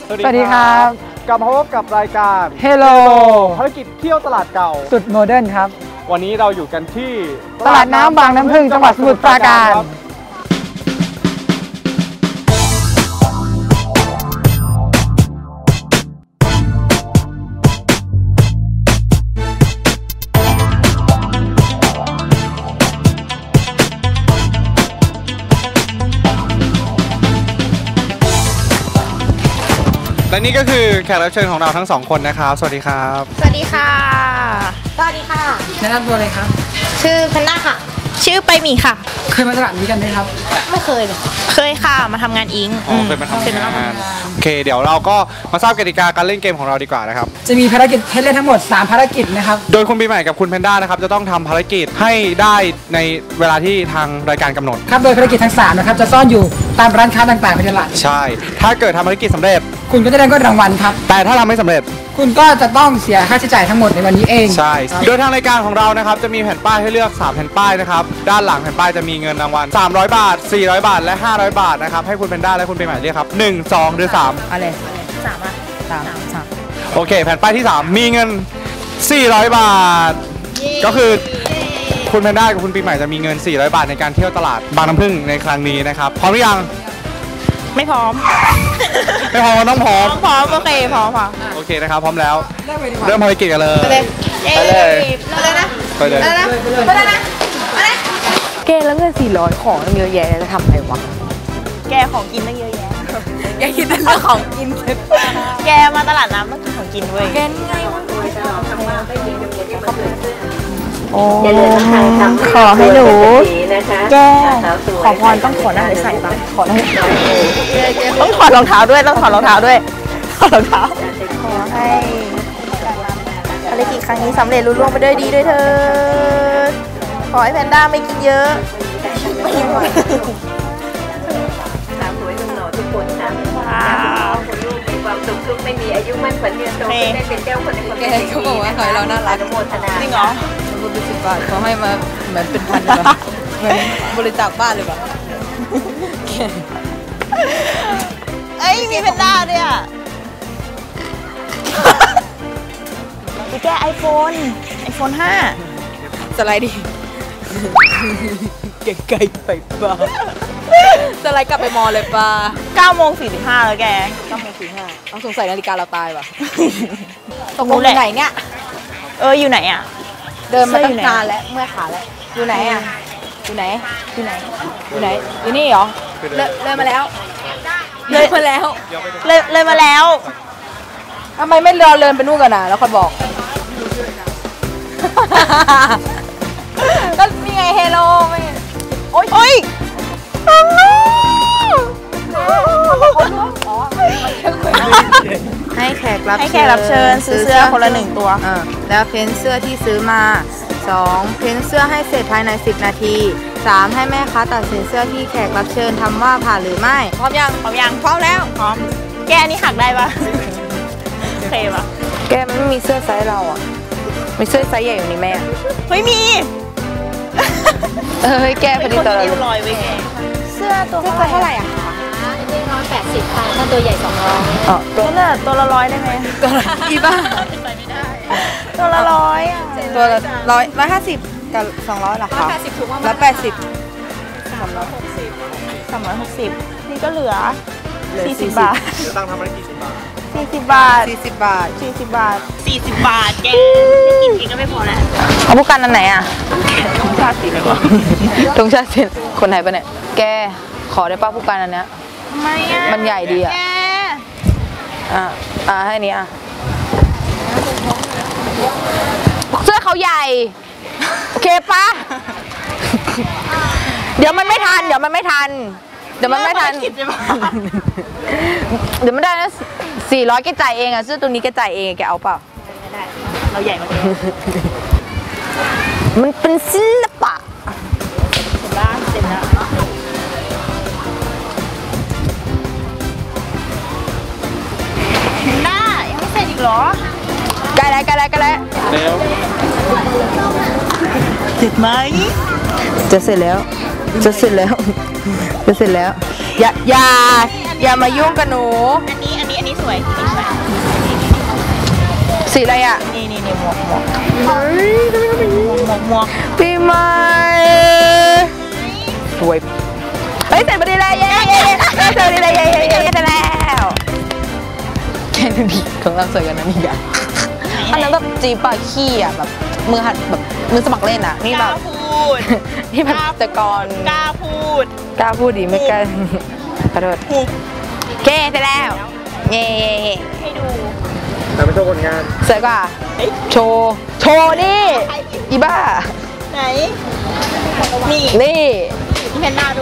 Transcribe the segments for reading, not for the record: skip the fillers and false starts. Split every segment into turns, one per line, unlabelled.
สวัสดีครับกลับมาพบกับรายการ
Hello
ภารกิจเที่ยวตลาดเก่า
สุดโมเดิร์นครับ
วันนี้เราอยู่กันที่
ตลาดน้ำบางน้ำผึ้งจังหวัดสมุทรปราการ
และนี่ก็คือแขกรับเชิญของเราทั้งสองคนนะครับสวัสดีครับ
สวัสดีค่ะสวัสดีค่ะ
แนะนำตัวเลยครับ
ชื่อแพนด้าค่ะชื่อไปหมีค่ะ
เคยมาตลาดนี้กันไหมครับ
ไม่เคยเลยเคยค่ะมาทำงานอิง
เคยมาทำงานโอเคเดี๋ยวเราก็มาทราบกติกาการเล่นเกมของเราดีกว่านะครับ
จะมีภารกิจให้เล่นทั้งหมด3ภารกิจนะครับ
โดยคุณปีใหม่กับคุณแพนด้านะครับจะต้องทำภารกิจให้ได้ในเวลาที่ทางรายการกำหนด
ครับโดยภารกิจทั้ง3นะครับจะซ่อนอยู่ตามร้านค้าต่างๆในตลาด
ใช่ถ้าเกิดทำภารกิจสำเร็จ
คุณก็จะได้เงินรางวัลครับ
แต่ถ้าทำไม่สำเร็จ
คุณก็จะต้องเสียค่าใช้จ่ายทั้งหมดในวันนี้เอง
ใช่โดยทางรายการของเรานะครับจะมีแผ่นป้ายให้เลือก3แผ่นป้ายนะครับด้านหลังแผ่นป้ายจะมีเงินรางวัล300 บาท400 บาทและ500 บาทนะครับให้คุณแพนด้าและคุณปีใหม่เลือกครับ1 2หรือ3
อะไร
3อ่ะ
3โอเคแผ่นป้ายที่3มีเงิน400 บาทก็คือคุณแพนด้ากับคุณปีใหม่จะมีเงิน400 บาทในการเที่ยวตลาดบางน้ำผึ้งในครั้งนี้นะครับพร้อมหรือยัง
ไม่พร้อม
ไม่พร้อมต้องพร้อม
โอเคพร้อมค่ะ
โอเคนะครับพร้อมแล้วเริ่มภารกิจกันเลย
ไปเลยนะ
ไปเลย
นะแกแล้วเงิน400ของเยอะแยะจะทำอะไรวะแกของกินตั้งเยอะแยะแกคิดแต่เรื่องของกินแกมาตลาดน้ำต้องกินของกินเว้ยแกนี่ไงโอ้ขอให้หนูแกขอพรต้องขอหน้าใส่บ้างขอให้ต้องถอดรองเท้าด้วยขอรองเท้าขอให้ภารกิจครั้งนี้สำเร็จรุ่ร่วงไปด้วยดีด้วยเถิดขอให้แพนด้าไม่กินเยอะทุกคนค่ะคุณลูกมีความสุขทุกไม่มีอายุมั่นขวัญยืนโตได้เป็นเจ้าคนในคนนี้เขาบอกว่าขอให้เราน่ารักโมทนาจริงเหรอมันเป็น10 บาทเขาให้มาเหมือนเป็นพันเลยเหมือนบริจาคบ้านเลยแบบเอ้ยมีแพนด้าด้วยอ่ะไปแก้ไอโฟน5สไลด์ดิเก่งไกลไปป่ะสไลด์กลับไปมอเลยป่ะ9:45แล้วแก9:45ต้องสงสัยนาฬิกาเราตายป่ะตรงนู้นไหนเนี่ยอยู่ไหนอ่ะเดินมาตั้งนานแล้วเมื่อขาแล้วอยู่ไหนอ่ะอยู่ไหนอยู่นี่เหรอเลยมาแล้วทำไมไม่เดินไปนู่นกันนะแล้วค่อยบอกก็นี่ไงเฮโลไม่โอ๊ยให้แขกรับเชิญซื้อเสื้อคนละ1 ตัวแล้วเพ้นเสื้อที่ซื้อมา2เพ้นเสื้อให้เสร็จภายใน10 นาที3ให้แม่ค้าตัดสินเสื้อที่แขกรับเชิญทำว่าผ่านหรือไม่พร้อมยังพร้อมแล้วพร้อมแกนี่หักได้ปะโอเคปะแกมันไม่มีเสื้อไซส์เราอ่ะมีเสื้อไซส์ใหญ่อยู่นี่แม่เฮ้ยมีแกพอดีตัวเราลอยไปแกเสื้อตัวเท่าไหร่อ่ะนี่180ค่ะถ้าตัวใหญ่200ตัวละ100ได้ไหมตัวละอีบ้าตัวละ100อ่ะตัวละ150กับ200หรอคะ180ถูกมาก180 360นี่ก็เหลือ40 บาทจะตั้งทำอะไรกี่บาท40 บาทแกกินเองก็ไม่พอแล้วเอาผู้กันอันไหนอ่ะธงชาติสิคนไหนปะเนี่ยแกขอได้ป้าผู้กันอันเนี้ยไม่อ่ะมันใหญ่ดีอ่ะให้นี้อ่ะเสื้อเขาใหญ่โอเคปะเดี๋ยวมันไม่ทันเดี๋ยวมันได้นะ400แกจ่ายเองอ่ะเสื้อตัวนี้แกจ่ายเองแกเอาเปล่าไม่ได้เราใหญ่กว่าแกมันเป็นศิลปะเสร็จแล้วหน้ายังไม่เสร็จอีกเหรอใกล้แล้วเสร็จไหมจะเสร็จแล้วอย่ามายุ่งกับหนูอันนี้
อันนี้สวยอันนี้สวย
สีอะไรอ่ะ
นี่หมวก
ปีใหม่สวยเฮ้ยเสร็จพอดีเลยเย้เสร็จพอดีเลยเย้เสร็จแล้วแค่นี้ของเราสวยกันนะนี่อ่ะอันนั้นแบบจีบอะขี้อ่ะแบบมือหัดแบบมือสมัครเล่นอ่ะนี่แบบนี่แบบตะกอน
กล้าพูด
ดีไม่กล้าขอโทษโอเคเสร็จแล้วเย้
ให้ดู
แต่ไม่โชว์ผลงาน
สวยกว่าโชว์นี่อีบ้า
ไหนนี่
นี่
แพนด้าด้วย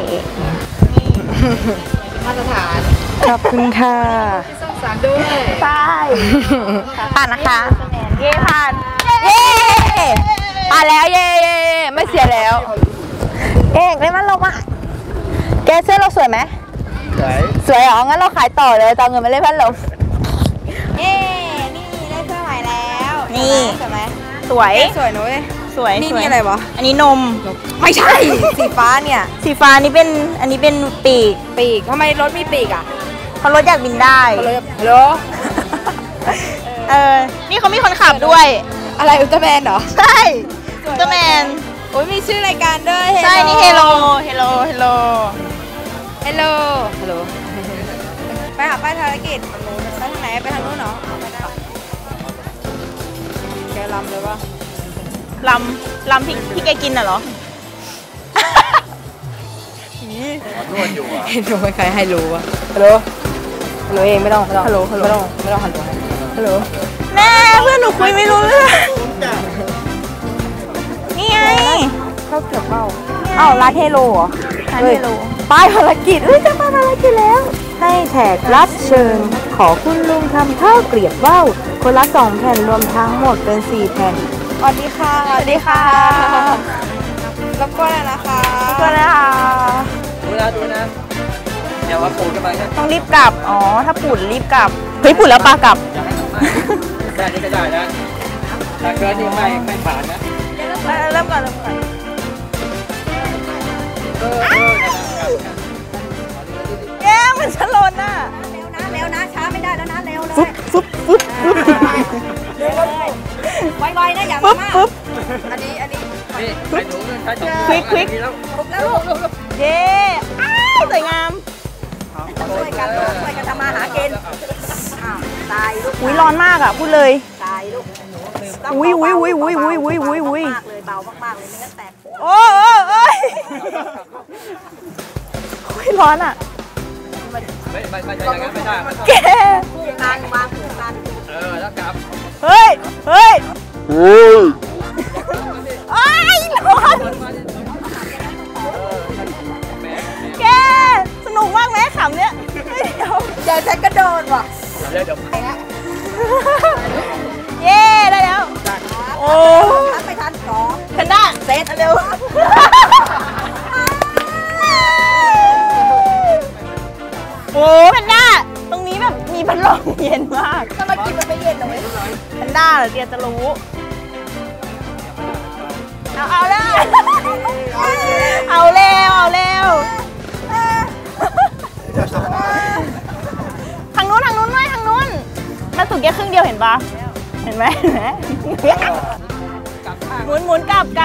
มาตรฐาน
ขอบคุณค่ะ
ส่งสารด้วยใช่
ผ่านนะคะ
เย่ผ่าน
เย้ผ่านแล้วเย้ไม่เสียแล้วเอ๊ะได้มันลงมาแกเสื้อเราสวยไหมสวยเหรองั้นเราขายต่อเลยตอนเงินมาเล่นพัดลมเย้นี่ได้เสื้อใหม่แล้ว
นี่
สวยไหม
สวย
นุ้ย
สวย
นี่อะไรวะ
อันนี้นม
ไม่ใช่สีฟ้าเนี่ย
สีฟ้านี่เป็นอันนี้เป็นปีก
ทำไมรถมีปีกอ่ะ
เพราะรถอยากบินได้
ฮัลโหล
นี่เขามีคนขับด้วย
อะไรอุลตร้าแมนเหรอ
ใช่อุลตร้าแมน
โอ้ยมีชื่อรายการด้วย
ใช่นี่เฮโล
ไปหาป้ายภารกิจไปทางไหนไปทางนู้นเหรอแกลำเลยปะ
ลำที่แกกินน่ะเหรอ
เห็นดูไม่ใครให้รู้วะฮัลโหลเองไม่ต้องฮัลโหล
แม่เพื่อนหนูคุยไม่รู้เรื่องนี่ไง
เข้าเกี่ยวเป้า
ร้านเฮโลเหรอร้านเฮโล
ป้ายภารกิจจะมาภารกิจแล้วให้แขกรับเชิญขอคุณลุงทำข้าวเกลียบว่าวคนละ2 แผ่นรวมทั้งหมดเป็น4 แผ่นสวัสดีค่ะรบกวนเลยนะคะ
ดูนะเดี๋ยวว่าปูจะมา
ต้องรีบกลับอ๋อถ้าปูดรีบกลับเฮ้ยปูดแล้วปลากลับ
ได้นี่ก็ได้นะถ้าเกินนี่ไม่ผ่านนะ
เริ่มก่อนแย่มันชะลนน่ะ
เร็วนะช้าไม่ได้แล้วนะเร็วเลย
ฟึบ
ไวๆนะอย่า
มา
อันนี้
นี่ไปดู
ควิก
แล้ว
เย้สวยงาม
ช่วยกันทำมาหากินตายลูก
อุ้ยร้อนมากอ่ะพูดเลย
ตายลูก
อุ้ย
มากเลยเบามากเลยไม่งั้นแตก
โอ้ยร้อนอ่ะ
ไม่ได้
แก
การวางผูกกัน
แล้วกลับ
เฮ้ยร้อนแกสนุกมากไหมขำเนี้ย
เดี๋ยวฉันกระโดดว่ะ
เดี๋ยว
เย้ได้แล้วโอ้
ไปทันขอ
แพนด้า
เซตเร็ว
โอ้แพนด้าตรงนี้แบบมีพัดลมเย็นมาก
ทำไมกินมันไม่เย็นเลย
แพนด้าเหรอเดียจะรู้เอาแล้วทางนู้นมันสุกแค่ครึ่งเดียวเห็นปะเห็นไหมหมุนกลับ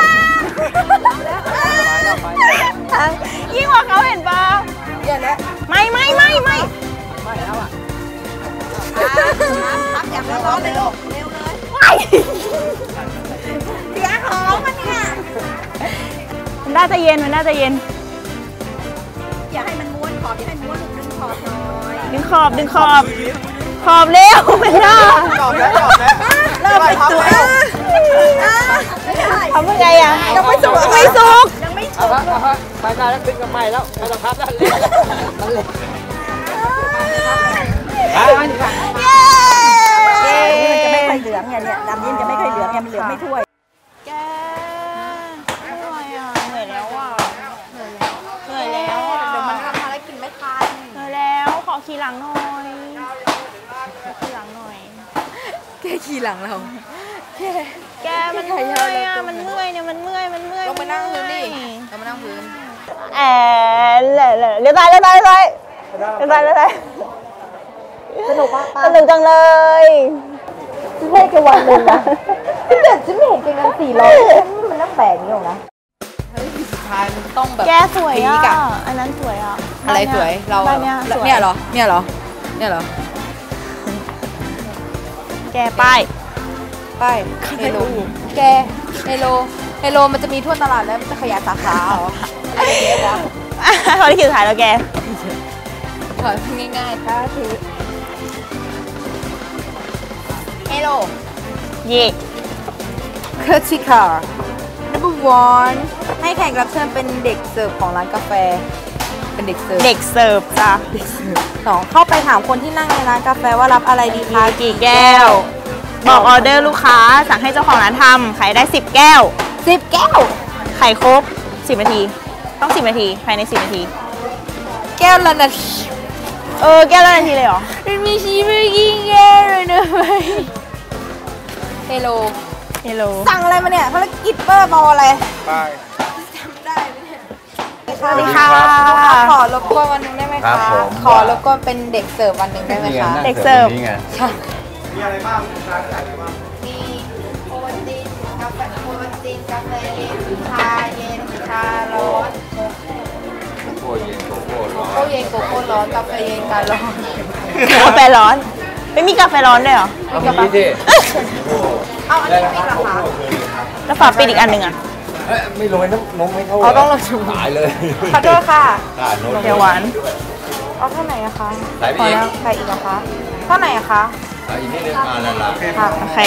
ยิ่งกว่าเขาเห็นปะ
เดี๋ยวนะ
ไม่
แล้วอ่ะ
พับอย่างร้อนเลยลูกเร็วเลยเสียของมันเนี่ย
มันน่าจะเย็น
อย่าให้มันม้วนขอบอย่าให้ม้วนดึงขอบหน่อย
ดึงขอบเร็วไม่ได้
ขอบแล้ว
เริ่มเป็นตัวทำยังไงอ่ะ
ยังไม่สุก
ไป
ได้แล้วขึ้นกับใหม่แล้วไม่ต้องพับแล้ว
มันจะไม่ค่อยเหลืองเนี่ยดำนี่จะไม่ค่อยเหลืองมันเหลืองไม่ถ้วย
แกเหนื่อยแล้วเดี๋ยวมันทำภารกิจไม่ทันเหนื่อยแล้วขอขี่หลังหน่อย
แกขี่หลังเรา
แกมันเมื่อยอ่ะมันเมื่อย
ลงไปนั่งพื้นดิเรามานั่งพื้น
เลี้ยวซ้าย
สนุกมาก
สนุกจังเลย
เล่นกันวันหนึ่งนะแต่ฉันไม่เห็นเงิน400มันน่าแปลกนี่หรอกนะเฮ้ยสุดท้ายมันต้องแบบ
แกสวย
พี
อ่ะ
ค
อันนั้นสวยอ่ะ
อะไรสวยเรา
บ้านเนี้ยสวย
เนี่ยเหรอเนี่ยเหรอเนี่ยเหรอ
แกป้าย
ไปเฮโลแกเฮโลมันจะมีทั่วตลาดแล้วมันจะขยายสาขาเหรออะไรเงี้ยวะ
เขาได้คิวถ่ายแล้วแก
ถอยง่ายๆถ้าถือเฮโล
เย่
เคอร์ติคาร์ number 1ให้แขกรับเชิญเป็นเด็กเสิร์ฟของร้านกาแฟเป็นเด็กเสิร์ฟ
เด็กเสิร์ฟจ้ะ
2เข้าไปถามคนที่นั่งในร้านกาแฟว่ารับอะไรดีคะ
กี่แก้ว บอกออเดอร์ลูกค้าสั่งให้เจ้าของร้านทำขายได้10 แก้ว
10 แก้ว
ขายครบ10 นาที ต้อง10 นาทีภายใน10 นาที
แก้วละนาที
แก้วละนาทีเลยเหรอ
มันมีชีวิตยิ่งแย่เลยนะเว้ยเฮโล
เฮลโล
สั่งอะไรมาเนี่ยภารกิจเบอร์บอลอะไร
ไป
จำได้ไหมเนี่ย
สวัสดีค่ะ
ขอรบกวนวันหนึงได้ไหม
ครั
คะ
บผม
ขอรบกวนเป็นเด็กเสิร์ฟวันหนึ่งได้ไหมคะ
เด็กเสิร์ฟ
นี่ไง
ใช่
มีอะไรบ้างร้านขายอะไรบ้าง
มีโอวัลตินกาแฟโอวัลตินกาแฟเย็นชาเย็นชาร้อน
โก้เย็นโกโก้ร้อน
โก้เย็นโกโก้ร้อนกาแฟเย็นการ้อน
กาแฟร้อน ไม่มีกาแฟร้อนด้วยเหรอ
เอามีดิ
เอาอันนี้ปิดเหรอคะ
แล้วฝาปิดอีกอันหนึ่งอ่ะ
ไม่โรยน้ำไม่เข้า
เอาต้องลงชู
ตายเลย
ขอโทษค่ะ
ตายโน้ต
เดี๋ยวหวาน
เอาเท่าไหร่อะคะ
ใส่ไป
พอ
อีก
แล้วใส่อีกเหรอคะเท่าไหร่อะคะ
อีกนิดนึงนั่นละ
ค่ะ
โอเค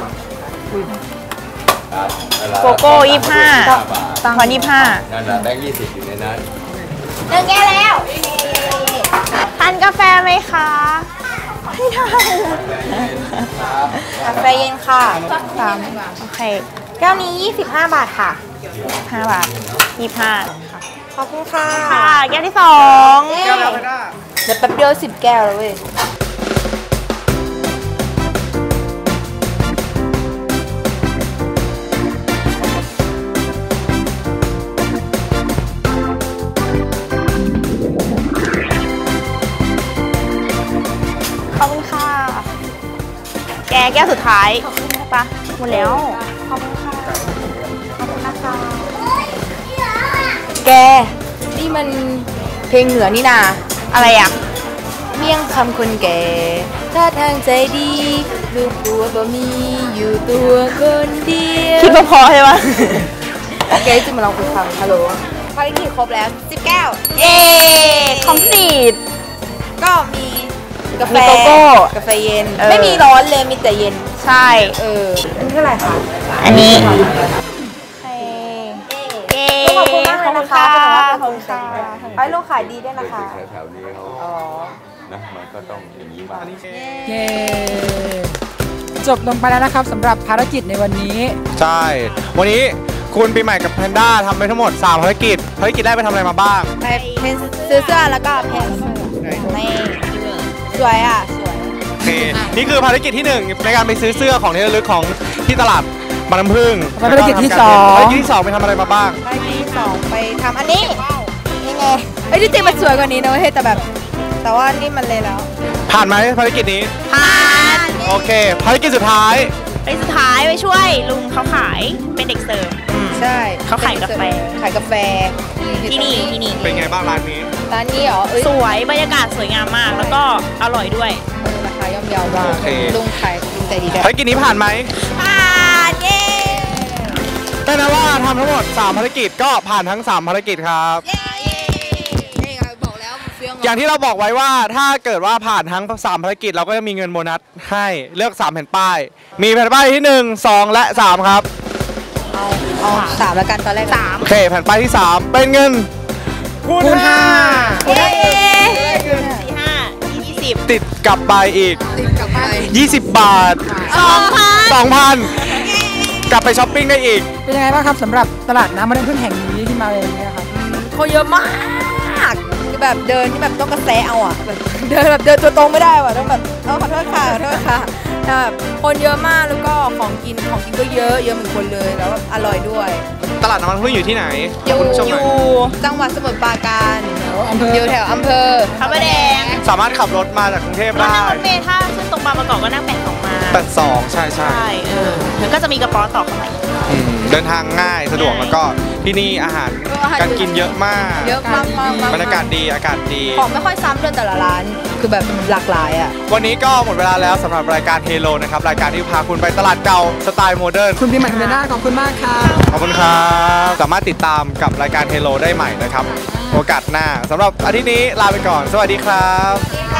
นั่นละ
โกโก้25
บาท
พอ25
นั่นละแบงค์20อยู่ในนั้น
1 แก้วแล้ว
ทานกาแฟไหมคะไม่ทาน
กาแฟเย็นค่ะ
โอเค
แก้วนี้ 25 บาทค่ะ
5 บาท 25
ขอบคุณค่ะ
ค่ะ แก้วที่
แก้วแล้วไปได้
เดี๋ยวแป๊บเดียว10 แก้วแล้วเว้ย
2 ขอบคุณค่ะ แก้วสุดท้ายใช่ปะหมดแล้ว
ขอบคุณค่ะ ขอบคุณนะคะ แก นี่มันเพลงเหนือนี่นา
อะไรอ่ะ
เมี่ยงคำคนแก่ท่าทางใจดีลูกผัวบ่มีอยู่ตัวคนเดียว
คิดว่าพอใช่ปะ
แกจะมาลองคุยฟังฮัลโหลภารกิจครบแล้ว10 แก้ว
เย้คอมพลีท
ก็มีกาแฟ
มีโกโก้
กาแฟเย็น
เออ
ไม่มีร้อนเลยมีแต่เย็น
ใช่
อันเท่าไหร่คะ
อันนี้เย้
ขอบคุณมากเลยนะคะ
ขอบคุณค่ะ
ไอ้ลูกขายดีด้วยนะคะ
แถวๆนี้เขา
อ๋อ
นะมันก็ต้องอย่างนี้บ้าง
เย้จบลงไปแล้วนะครับสำหรับภารกิจในวันนี้
ใช่ วันนี้คุณปีใหม่กับแพนด้าทำไปทั้งหมด3ภารกิจแรกไปทำอะไรมาบ้าง
ไปเพนซื้อเสื้อแล้วก็เพนนี่สวยอ่ะ สวย
โอเค นี่คือภารกิจที่ 1 ในการไปซื้อเสื้อของที่ระลึกของที่ตลาดบางน้ำพึ่ง
ภารกิจที่สอง
ภารกิจที่ 2 ไปทำอะไรมาบ้าง
ไปที่2ไปทำอันนี้นี่ไงเอ้ยที่จริงมันสวยกว่านี้นะเว้ยแต่ว่านี่มันเลยแล้ว
ผ่านไหมภารกิจนี้
ผ่าน
โอเค ภารกิจสุดท้าย
ไปสุดท้ายไปช่วยลุงเขาขายเป็นเด็กเสิร์ฟ
ใช่
เขาขายกาแฟ
ขายกาแฟ
ที่นี่
เป็นไงบ้างร้านนี้
ร้านนี้เหรอเอ้ย
สวยบรรยากาศสวยงามมาก แล้วก็อร่อยด้วย
ราคาย่อมเยาวมาก
โอเค
ลุงขายลุงใจดีด้วย
ภารกิจนี้ผ่านไหม
ผ่านเย้
แปลว่าทำทั้งหมด3ภารกิจก็ผ่านทั้ง3ภารกิจครับ
นี่ไงบอกแล้วมันเฟี้ยง
อย่างที่เราบอกไว้ว่าถ้าเกิดว่าผ่านทั้ง3ภารกิจเราก็จะมีเงินโบนัสให้เลือก3แผ่นป้าย มีแผ่นป้ายที่1 2 และ 3 ครับ
เอา3แล้วกันตอนแรก
โอเค แผ่นป้ายที่ 3 เป็นเงินคูณ
เย้4 5 20
ติดกลับไปอีก
กลับไป
20 บาท 2,000 กลับไปช้อปปิ้งได้อีก
เป็นยังไงบ้างครับสำหรับตลาดน้ำมันำพึ่งแห่งนี้ที่มาเองเนี่ยครับ
คนเยอะมากคือแบบเดินที่แบบต้องกระแสเอาอ่ะแบบเดินตัวตรงไม่ได้ว่ะต้องแบบขอโทษค่ะแบบคนเยอะมากแล้วก็ของกินก็เยอะเหมือนคนเลยแล้วแบบอร่อยด้วย
ตลาดน้ำมันพึ่งอยู่ที่ไหน
อยู่
คุณผู้ชมหน่อย
จังหวัดสมุทรปราการ
วอำเภอ
อ
อยู่
แถวอำเภอ
พระประแดง
สามารถขับรถมาจากกรุงเทพ
ก็
ได้
นั่งรถเมล์ถ้าขึ้นตรงบางประกอบก็นั่ง82มา
82ใช่
ใช่แล้วก็จะมีกระป๋อต่อเข้ามาอีก
เดินทางง่ายสะดวกแล้วก็ที่นี่อาหารการกินเยอะมาก
เยอะมากๆ
บรรยากาศดีอากาศดี
ของไม่ค่อยซ้ำด้วยแต่ละร้าน คือแบบหลากหลายอ่ะ
วันนี้ก็หมดเวลาแล้วสำหรับรายการเฮโลนะครับรายการที่พาคุณไปตลาดเก่าสไตล์โมเดิร์น
คุณปีใหม่คุณแพนด้าขอบคุณมากค่ะ
ขอบคุณครับสามารถติดตามกับรายการเฮโลได้ใหม่นะครับโอกาสหน้าสำหรับอาทิตย์นี้ลาไปก่อนสวัสดีครับ